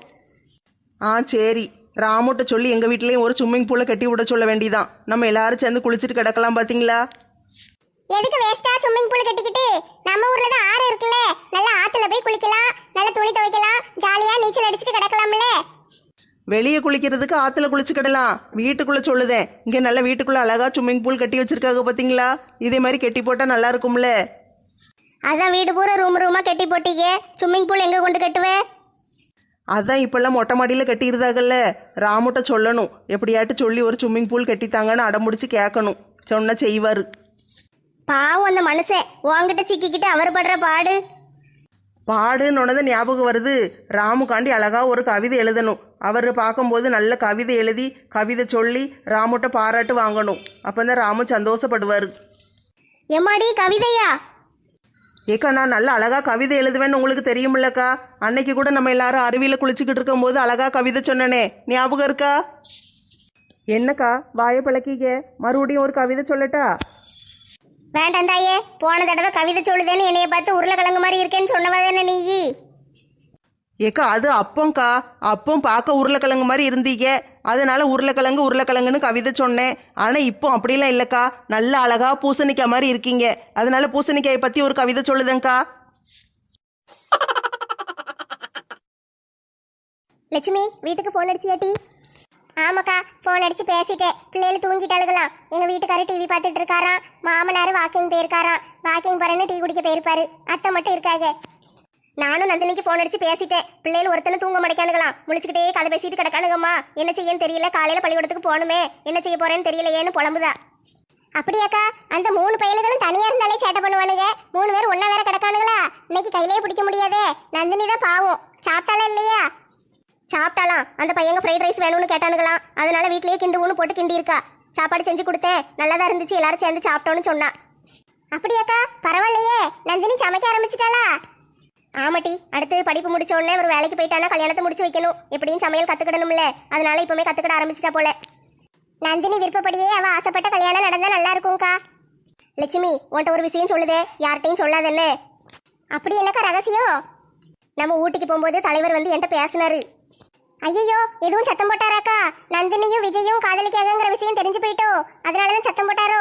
சரி, ராமுட்ட சொல்லி எங்கள் வீட்லேயும் ஒரு ஸ்விம்மிங் பூலை கட்டி விட சொல்ல வேண்டியதான். நம்ம எல்லாரும் சேர்ந்து குளிச்சுட்டு கிடக்கலாம். பார்த்தீங்களா? எதுக்கு வேஸ்டா ஸ்விம்மிங் பூல் கட்டிக்கிட்டு? நம்ம ஊர்ல தான் ஆறு இருக்குல்ல, நல்லா ஆத்துல போய் குளிக்கலாம், நல்லா துணி துவைக்கலாம், ஜாலியா நீச்சல் அடிச்சுட்டு கிடக்கலாம்ல. வெளியே குளிக்கிறதுக்கு ஆற்றுல குளிச்சுக்கிடலாம். வீட்டுக்குள்ளே சொல்லுதேன். இங்கே நல்ல வீட்டுக்குள்ளே அழகாக ஸ்விம்மிங் பூல் கட்டி வச்சுருக்காங்க பார்த்தீங்களா? இதே மாதிரி கட்டி போட்டால் நல்லா இருக்கும்ல. அதான் வீடு பூரா ரூமாக கட்டி போட்டீங்க. ஸ்விம்மிங் பூல் எங்கே கொண்டு கட்டுவேன்? அதான் இப்போல்லாம் மொட்டை மாடியில் கட்டியிருந்தாங்கல்ல. ராமுட்ட சொல்லணும், எப்படியாட்டு சொல்லி ஒரு ஸ்விம்மிங் பூல் கட்டித்தாங்கன்னு அடம்பிடிச்சு கேட்கணும். சொன்னால் செய்வார். பாவம் அந்த மனுஷன் உங்ககிட்ட சிக்கிக்கிட்டு அவர் படுற பாடுன்னு ஞாபகம் வருது. ராமுக்காண்டி அழகா ஒரு கவிதை எழுதணும். அவர் பார்க்கும்போது நல்ல கவிதை எழுதி கவிதை சொல்லி ராமுட்ட பாராட்டு வாங்கணும். அப்போ தான் ராமு சந்தோஷப்படுவார். எம்மாடி கவிதையா? ஏக்கா நான் நல்ல அழகா கவிதை எழுதுவேன்னு உங்களுக்கு தெரியுமில்லக்கா. அன்னைக்கு கூட நம்ம எல்லாரும் அருவியில் குளிச்சுக்கிட்டு இருக்கும்போது அழகா கவிதை சொன்னனே, ஞாபகம் இருக்கா? என்னக்கா வாயை பழக்கிக்க, மறுபடியும் ஒரு கவிதை சொல்லட்டா? வேண்டாம் தாயே, போன தடவை கவிதை சொல்லுதேன்னு என்னைய பார்த்து உருளைக்கிழங்கு மாதிரி இருக்கேன்னு சொன்னவதானே நீ. ஏக்கா அது அப்பம்க்கா, அப்பம் பார்க்க உருளைக்கிழங்கு மாதிரி இருந்தீங்க, அதனால உருளைக்கிழங்குன்னு கவிதை சொன்னேன். ஆனால் இப்போ அப்படிலாம் இல்லைக்கா, நல்ல அழகா பூசணிக்காய் மாதிரி இருக்கீங்க, அதனால பூசணிக்காயை பற்றி ஒரு கவிதை சொல்லுதேங்க்கா. லட்சுமி வீட்டுக்கு போன் அடிச்சியாட்டி? ஆமாக்கா, போன் அடிச்சு பேசிட்டேன். பிள்ளைகள் தூங்கிட்டாளுகளாம். எங்க வீட்டுக்காரர் டிவி பார்த்துட்டு இருக்காராம். மாமனார் வாக்கிங் போயிருக்காராம். வாக்கிங் போறேன்னு டீ குடிக்க போயிருப்பாரு. அத்தை மட்டும் இருக்காங்க. நானும் நந்தினிக்கு ஃபோன் அடிச்சு பேசிட்டேன். பிள்ளைகள் ஒருத்தனை தூங்க மாட்டேக்கானுங்களாம். முழிச்சுக்கிட்டே கதை பேசிட்டு கிடக்கானுங்கம்மா. என்ன செய்யன்னு தெரியல, காலையில பள்ளிக்கூடத்துக்கு போகணுமே, என்ன செய்ய போறேன்னு தெரியலையேன்னு புலம்புதா. அப்படியாக்கா? அந்த 3 பயல்களும் தனியா இருந்தாலே சேட்டை பண்ணுவானுங்க. 3 பேர் ஒன்னா வேற கிடக்கானுங்களா? இன்னைக்கு கையிலேயே பிடிக்க முடியாதே. நந்தினி தான் பாவம். சாப்பிட்டாலும் இல்லையா? சாப்பிட்டாலாம். அந்த பையங்க ஃப்ரைட் ரைஸ் வேணும்னு கேட்டானுங்களாம். அதனால வீட்லயே கிண்டு ஊன்னு போட்டு கிண்டி இருக்கா. சாப்பாடு செஞ்சு கொடுத்தேன், நல்லதா இருந்துச்சு, எல்லாரும் சேர்ந்து சாப்பிட்டோன்னு சொன்னா. அப்படியாக்கா? பரவாயில்லையே. நந்தினி சமைக்க ஆரம்பிச்சிட்டாளா? ஆமாட்டி, அடுத்து படிப்பு முடிச்ச உடனே ஒரு வேலைக்கு போயிட்டானா கல்யாணத்தை முடிச்சு வைக்கணும். எப்படியும் சமையல் கத்துக்கிடணும்ல, அதனால இப்பவுமே கத்துக்கிட ஆரம்பிச்சிட்டா போல. நந்தினி விருப்பப்படியே அவ ஆசைப்பட்ட கல்யாணம் நடந்தா நல்லா இருக்கும்க்கா. லட்சுமி உன்ட்ட ஒரு விஷயம் சொல்லுதே, யார்கிட்டையும் சொல்லாதன்னு. அப்படி என்னக்கா ரகசியம்? நம்ம ஊட்டிக்கு போகும்போது தலைவர் வந்து என்கிட்ட பேசினாரு. ஐயோ, எதுவும் சத்தம் போட்டாராக்கா? நந்தினியும் விஜயும் காதலிக்காதங்கிற விஷயம் தெரிஞ்சு போயிட்டோ, அதனாலதான் சத்தம் போட்டாரோ?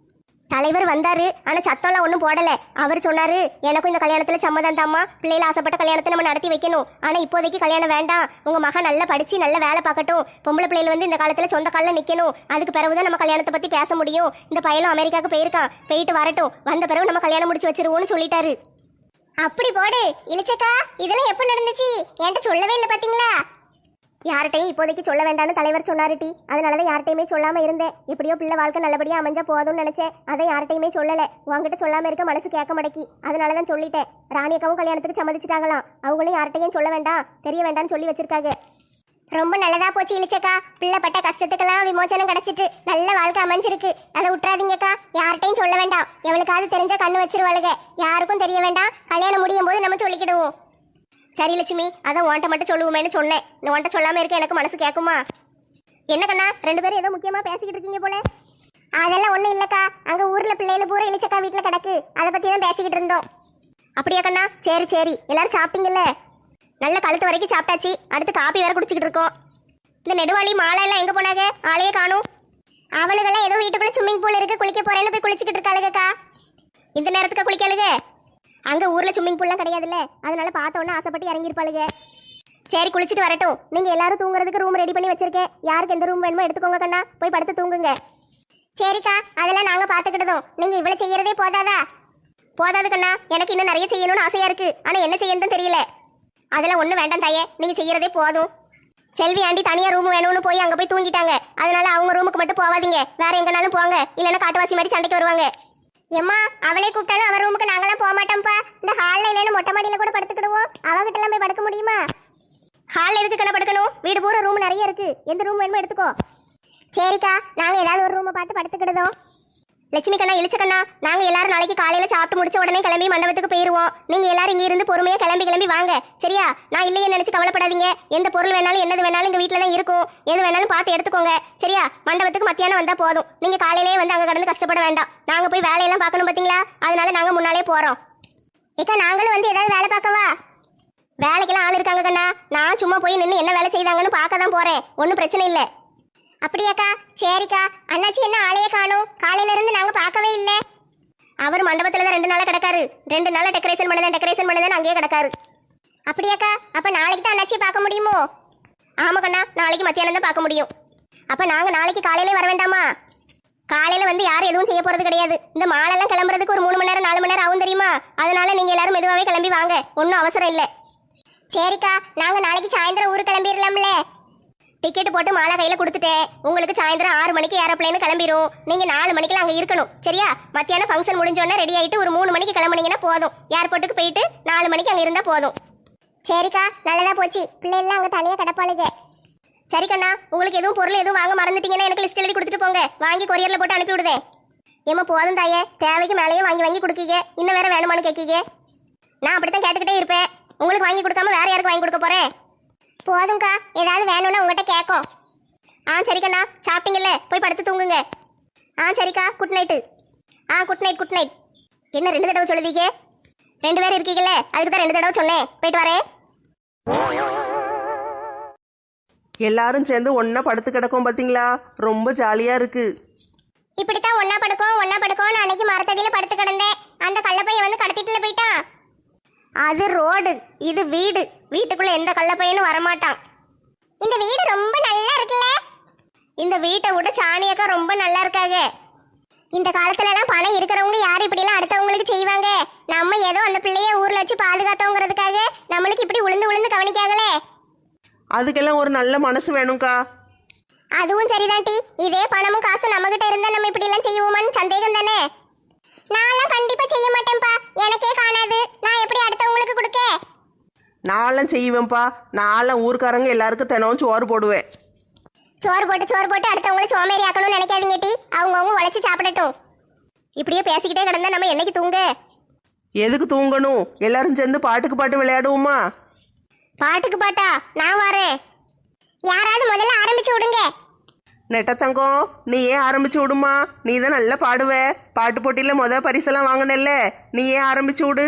தலைவர் வந்தாரு, ஆனா சத்தம்லாம் ஒன்றும் போடல. அவர் சொன்னாரு, எனக்கும் இந்த கல்யாணத்துல சம்மதம் தாம்மா, பிள்ளைல ஆசைப்பட்ட கல்யாணத்தை நம்ம நடத்தி வைக்கணும். ஆனா இப்போதைக்கு கல்யாணம் வேண்டாம், உங்க மகன் நல்லா படிச்சு நல்ல வேலை பார்க்கட்டும், பொம்பளை பிள்ளைகள் வந்து இந்த காலத்துல சொந்த காலில் நிக்கணும், அதுக்கு பிறகுதான் நம்ம கல்யாணத்தை பத்தி பேச முடியும். இந்த பையனும் அமெரிக்காவுக்கு போயிருக்கான், போயிட்டு வரட்டும், வந்த பிறகு நம்ம கல்யாணம் முடிச்சு வச்சிருவோம்னு சொல்லிட்டாரு. அப்படி போடு இளிச்சக்கா. இதெல்லாம் எப்ப நடந்துச்சு? என்கிட்ட சொல்லவே இல்லை பாத்தீங்களா? யார்கிட்டையும் இப்போதைக்கு சொல்ல வேண்டாம்னு தலைவர் சொன்னாரு டி. அதனாலதான் யார்கிட்டையுமே சொல்லாம இருந்தேன். எப்படியோ பிள்ளை வாழ்க்கை நல்லபடியா அமைஞ்சா போதும்னு நினைச்சேன். அதை யார்கிட்டையுமே சொல்லல. உங்ககிட்ட சொல்லாம இருக்க மனசு கேட்க மாட்டேக்கி, அதனாலதான் சொல்லிட்டேன். ராணியக்காவும் கல்யாணத்துக்கு சம்மதிச்சிட்டாங்களாம். அவங்களும் யார்கிட்டையும் சொல்ல வேண்டாம், தெரிய வேண்டாம்னு சொல்லி வச்சிருக்காங்க. ரொம்ப நல்லதா போச்சு இளிச்சக்கா. பிள்ளை பட்ட கஷ்டத்துக்கெல்லாம் விமோசனம் கிடைச்சிட்டு நல்ல வாழ்க்கை அமைஞ்சிருக்கு. அதை விட்டுறாதீங்கக்கா. யார்கிட்டையும் சொல்ல வேண்டாம். எவளுக்காவது தெரிஞ்சா கண்ணு வச்சிருவாளுங்க. யாருக்கும் தெரிய வேண்டாம். கல்யாணம் முடியும் போது நம்ம சொல்லிக்கிடுவோம். சரி லட்சுமி, அதான் உன்ட்ட மட்டும் சொல்லுவோமேன்னு சொன்னேன். உன்ட்ட சொல்லாம இருக்க எனக்கு மனசு கேட்குமா? என்ன கண்ணா, 2 பேரும் ஏதோ முக்கியமா பேசிக்கிட்டு இருக்கீங்க போல. அதெல்லாம் ஒண்ணும் இல்லக்கா. அங்க ஊர்ல பிள்ளைகள் பூரா இளிச்சக்கா வீட்டுல கிடக்கு, அதை பத்தி தான் பேசிக்கிட்டு இருந்தோம். அப்படியா கண்ணா? சரி சரி, எல்லாரும் சாப்பிட்டீங்கல்ல? நல்ல கழுத்து வரைக்கும் சாப்பிட்டாச்சு. அடுத்து காப்பி வேற குடிச்சிக்கிட்டு இருக்கோம். இந்த நெடுவாளி மாலை எல்லாம் எங்க போனாங்க? ஆளையே காணும். அவளுக்கெல்லாம் ஏதோ வீட்டுக்குள்ள ஸ்விம்மிங் பூல் இருக்கு, குளிக்க போறேன்னு போய் குளிச்சுக்கிட்டு இருக்காளுக்கா. இந்த நேரத்துக்கு குளிக்காளுங்க? அங்க ஊர்ல ஸ்விம்மிங் பூல்லாம் கிடையாதுல்ல, அதனால பார்த்தோன்னே ஆசைப்பட்டு இறங்கியிருப்பாளுங்க. சரி குளிச்சுட்டு வரட்டும். நீங்க எல்லாரும் தூங்குறதுக்கு ரூம் ரெடி பண்ணி வச்சிருக்கேன். யாருக்கு எந்த ரூம் வேணுமோ எடுத்துக்கோங்க கண்ணா, போய் படுத்து தூங்குங்க. சரிக்கா, அதெல்லாம் நாங்க பாத்துக்கிட்டதும். நீங்க இவ்வளவு செய்யறதே போதாதா? போதாது கண்ணா, எனக்கு இன்னும் நிறைய செய்யணும்னு ஆசையா இருக்கு. ஆனா என்ன செய்யணும்னு தெரியல. அதெல்லாம் ஒண்ணு வேண்டாம் தாயே, நீங்க செய்யறதே போதும். செல்வி ஆண்டி தனியா ரூம் வேணும்னு போய் அங்க போய் தூங்கிட்டாங்க. அதனால அவங்க ரூமுக்கு மட்டும் போவாதீங்க, வேற எங்கனாலும் போங்க, இல்லைன்னா காட்டுவாசி மாதிரி சண்டைக்கு வருவாங்க. எம்மா, அவளே கூப்பிட்டாலும் அவ ரூமுக்கு நாங்களாம் போக மாட்டோம்ப்பா. இந்த ஹால்ல இல்லைன்னு மொட்டை மாடியில கூட படுத்துக்கிடுவோம். அவகிட்ட எல்லாம் போய் படுக்க முடியுமா? ஹால் எதுக்கு கண்ணா படுக்கணும்? வீடு பூரா ரூம் நிறைய இருக்கு, எந்த ரூம் வேணுமோ எடுத்துக்கோ. சரிக்கா, நாங்க ஏதாவது ஒரு ரூமை பார்த்து படுத்துக்கிடுதோம். லட்சுமி கண்ணா, இளிச்ச கண்ணா, நாங்க எல்லாரும் நாளைக்கு காலையில சாப்பிட்டு முடிச்ச உடனே கிளம்பி மண்டபத்துக்கு போயிருவோம். நீங்க எல்லாரும் இங்க இருந்து பொறுமையா கிளம்பி வாங்க, சரியா? நான் இல்லையே நினைச்சு கவலைப்படாதீங்க. எந்த பொருள் வேணாலும் என்னது வேணாலும் இங்க வீட்டுல தான் இருக்கும். எது வேணாலும் பார்த்து எடுத்துக்கோங்க, சரியா? மண்டபத்துக்கு மத்தியானம் வந்தா போதும். நீங்க காலையிலேயே வந்து அங்க கடந்து கஷ்டப்பட வேண்டாம். நாங்க போய் வேலையெல்லாம் பார்க்கணும் பாத்தீங்களா, அதனால நாங்க முன்னாலே போறோம். ஏக்கா, நாங்களும் வந்து ஏதாவது வேலை பார்க்கவா? வேலைக்கெல்லாம் ஆள் இருக்காங்க கண்ணா. நான் சும்மா போய் நின்று என்ன வேலை செய்தாங்கன்னு பார்க்க தான் போறேன். ஒன்றும் பிரச்சனை இல்லை. அப்படியாக்கா? சரிக்கா. அண்ணாச்சி என்ன ஆளையே காணும்? காலையில இருந்து நாங்க பார்க்கவே இல்லை. அவர் மண்டபத்துல தான் 2 நாளா கிடக்காரு. 2 நாளா டெக்கரேஷன் பண்ணதான் அங்கேயே கிடக்காரு. அப்படியாக்கா? அப்ப நாளைக்கு தான் அண்ணாச்சியை பார்க்க முடியுமோ? ஆமா கண்ணா, நாளைக்கு மத்தியானம் தான் பார்க்க முடியும். அப்ப நாங்க நாளைக்கு காலையிலே வர வேண்டாமா? காலையில வந்து யாரும் எதுவும் செய்ய போறது கிடையாது. இந்த மாலெல்லாம் கிளம்புறதுக்கு ஒரு 3 மணி நேரம் 4 மணி நேரம் ஆகும் தெரியுமா? அதனால நீங்க எல்லாரும் மெதுவாவே கிளம்பி வாங்க, ஒன்றும் அவசரம் இல்லை. சரிக்கா, நாங்க நாளைக்கு சாயந்தரம் ஊர் கிளம்பிடலாம்ல? டிக்கெட் போட்டு மாலை கையில கொடுத்துட்டேன். உங்களுக்கு சாயந்தரம் 6 மணிக்கு ஏரோப்ளேன் கிளம்பிரும். நீங்க 4 மணிக்கெல்லாம் அங்க இருக்கணும், சரியா? மத்தியானம் ஃபங்க்ஷன் முடிஞ்சோடனே ரெடி ஆயிட்டு ஒரு 3 மணிக்கு கிளம்புனீங்கன்னா போதும். ஏர்போர்ட்டுக்கு போயிட்டு 4 மணிக்கு அங்க இருந்தா போதும். சரிக்கா, நல்லதா போச்சு. பிள்ளைலாம் அங்க தனியா கிடப்பாளுங்க. சரி கண்ணா, உங்களுக்கு எதுவும் பொருள் எதுவும் வாங்க மறந்துட்டீங்கன்னா எனக்கு லிஸ்ட் எழுதி கொடுத்துட்டு போங்க, வாங்கி கொரியர்ல போட்டு அனுப்பி விடுதேன். ஏமா போதும் தாயே, தேவைக்கு மேலேயே வாங்கி வாங்கி கொடுக்கீங்க, இன்னும் வேற வேணுமான்னு கேட்கீங்க. நான் அப்படித்தான் கேட்டுக்கிட்டே இருப்பேன். உங்களுக்கு வாங்கி கொடுக்காம வேற யாருக்கு வாங்கி கொடுக்க போறேன்? போதும்க்கா, ஏதாவது வேணும்னா உங்ககிட்ட கேட்கும். சரிக்கண்ணா, சாப்பிட்டீங்கல்ல, போய் படுத்து தூங்குங்க. சரிக்கா, good night. Good night, good night. என்ன 2 தடவை சொல்லுதீங்க? 2 பேர் இருக்கீங்கல்ல, அதுக்கு தான் 2 தடவை சொன்னேன். போயிட்டு வரேன். எல்லாரும் சேர்ந்து ஒன்றா படுத்து கிடக்கும் பார்த்தீங்களா? ரொம்ப ஜாலியாக இருக்கு. இப்படித்தான் ஒன்னா படுக்கோம்னு அன்னைக்கு மரத்தடியில படுத்து கிடந்தேன். அந்த கள்ளப்பையன் வந்து கடத்திட்டுல போயிட்டான். அது ரோடு, இது வீடு. வீட்டுக்குள்ள எந்த கள்ளப்பையனும் வரமாட்டான். இந்த வீடு ரொம்ப நல்லா இருக்குல்ல? இந்த வீட்டை விட சாணியக்கா ரொம்ப நல்லா இருக்காங்க. இந்த காலத்துல எல்லாம் பணம் இருக்கிறவங்க யார் இப்படி எல்லாம் அடுத்தவங்களுக்கு செய்வாங்க? நம்ம ஏதோ அந்த பிள்ளைய ஊர்ல வச்சு பாதுகாத்தோங்கிறதுக்காக நம்மளுக்கு இப்படி உளுந்து உளுந்து கவனிக்காங்களே. அதுக்கெல்லாம் ஒரு நல்ல மனசு வேணும்க்கா. அதுவும் சரிதான் டி. இதே பணமும் காசும் நம்ம கிட்ட இருந்தா நம்ம இப்படி எல்லாம் செய்வோமான்னு சந்தேகம் தானே. நான்லாம் கண்டிப்பா செய்ய மாட்டேன்ப்பா. எனக்கே காணாது, நான் எப்படி அடுத்தவங்களுக்கு கொடுக்க? நான்லாம் செய்வேன்ப்பா. நான்லாம் ஊர்க்காரங்க எல்லாருக்கும் தினமும் சோறு போடுவேன். சோறு போட்டு அடுத்தவங்கள சோமேறி ஆக்கணும்னு நினைக்காதீங்க டி. அவங்கவுங்க உழைச்சி சாப்பிடட்டும். இப்படியே பேசிக்கிட்டே கிடந்தா நம்ம என்னைக்கு தூங்க? எதுக்கு தூங்கணும்? எல்லாரும் சேர்ந்து பாட்டுக்கு பாட்டு விளையாடுவோமா? பாட்டுக்கு பாட்டா? நான் வரேன். யாராவது முதல்ல ஆரம்பிச்சு விடுங்க. நெட்டத்தங்கம், நீ ஏன் ஆரம்பிச்சு விடுமா? நீ தான் நல்லா பாடுவ. பாட்டு போட்டியில் பரிசெல்லாம் வாங்கினல்ல, நீ ஏன் ஆரம்பிச்சு விடு.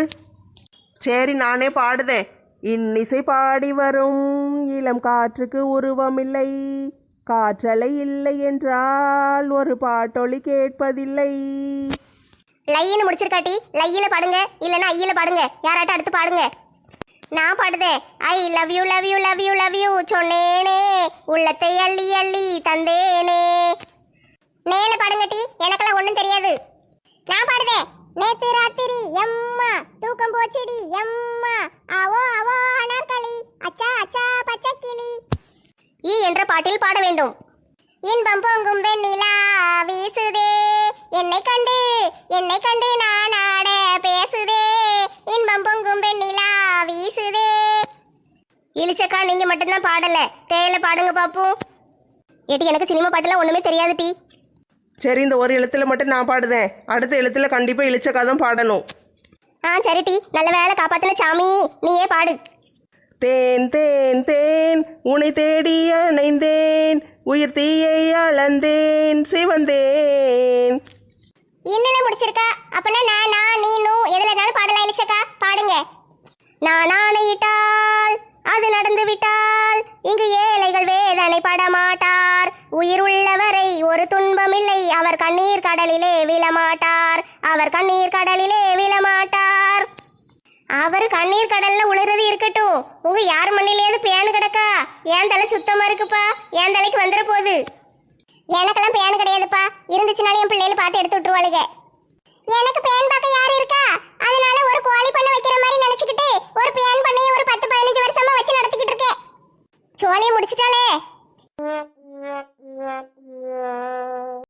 சரி, நானே பாடுதேன். இன்னிசை பாடி வரும் இளம் காற்றுக்கு உருவமில்லை, காற்றலை இல்லை என்றால் ஒரு பாட்டொலி கேட்பதில்லை. லையின்னு முடிச்சிருக்காட்டி லையில பாடுங்க, இல்லைன்னா ஐயில பாடுங்க. யாராட்ட அடுத்து பாடுங்க. நான் பாடுதேன். I love you love you love you love you சொன்னேனே, உள்ளத்தை அள்ளி அள்ளி தந்தேனே. மேல பாடுங்க டி, எனக்கெல்லாம் ஒண்ணும் தெரியாது. நான் பாடுதேன். நேத்து ராத்திரி எம்மா தூக்கம் போச்சுடி எம்மா, அவோ அவோ அனார்கலி, அச்சா அச்சா பச்சைக்கிளி. ஈ என்ற பாட்டில் பாட வேண்டும். இன்பம் பொங்கும் வெண்ணிலா வீசுதே, என்னை கண்டு நான் ஆட பேசுதே. இன்பம் பொங்கும் வெண்ணிலா வீசுதே. இழிச்சக்கா, நீங்க மட்டும்தான் பாடல, தேயில பாடுங்க பாப்போம். ஏட்டி, எனக்கு சினிமா பாட்டுலாம் ஒண்ணுமே தெரியாது டி. சரி, இந்த ஒரு எழுத்துல மட்டும் நான் பாடுதேன். அடுத்த எழுத்துல கண்டிப்பா இழிச்சக்கா தான் பாடணும். சரி டி, நல்ல வேலை காப்பாத்தின சாமி. நீயே பாடு. தேன் தேன் தேன் உனை தேடி அணைந்தேன், உயிர் தீயை அளந்தேன் சிவந்தேன். இன்னும் முடிச்சிருக்கா? அப்பனா நான் நீ நூ எதுல இருந்தாலும் பாடலாம். இழிச்சக்கா பாடுங்க. நான் ஆணையிட்டால் அது நடந்து விட்டால் இங்கு ஏழைகள் வேதனை படமாட்டார். உயிர் உள்ளவரை ஒரு துன்பமில்லை, அவர் கண்ணீர் கடலிலே விழமாட்டார். அவர் கண்ணீர் கடலிலே விழமாட்டார். அவர் கண்ணீர் கடல்ல உழுறது இருக்கட்டும், உங்க யார் மண்ணிலேயாவது பேனு கிடக்கா? என் தலை சுத்தமா இருக்குப்பா, என் தலைக்கு வந்துட போகுது. எனக்கெல்லாம் பேன் கிடையாதுப்பா. இருந்துச்சுனாலும் என் பிள்ளைகளை பார்த்து எடுத்து விட்டுருவாளுங்க. எனக்கு பேன் பார்க்க யாரு இருக்கா? அதனால ஒரு கோழி பண்ண வைக்கிற மாதிரி நினைச்சுக்கிட்டு ஒரு பேன் பண்ணி ஒரு 10-15 வருஷமா வச்சு நடத்திக்கிட்டு இருக்கேன். சோழியை முடிச்சிட்டாலே.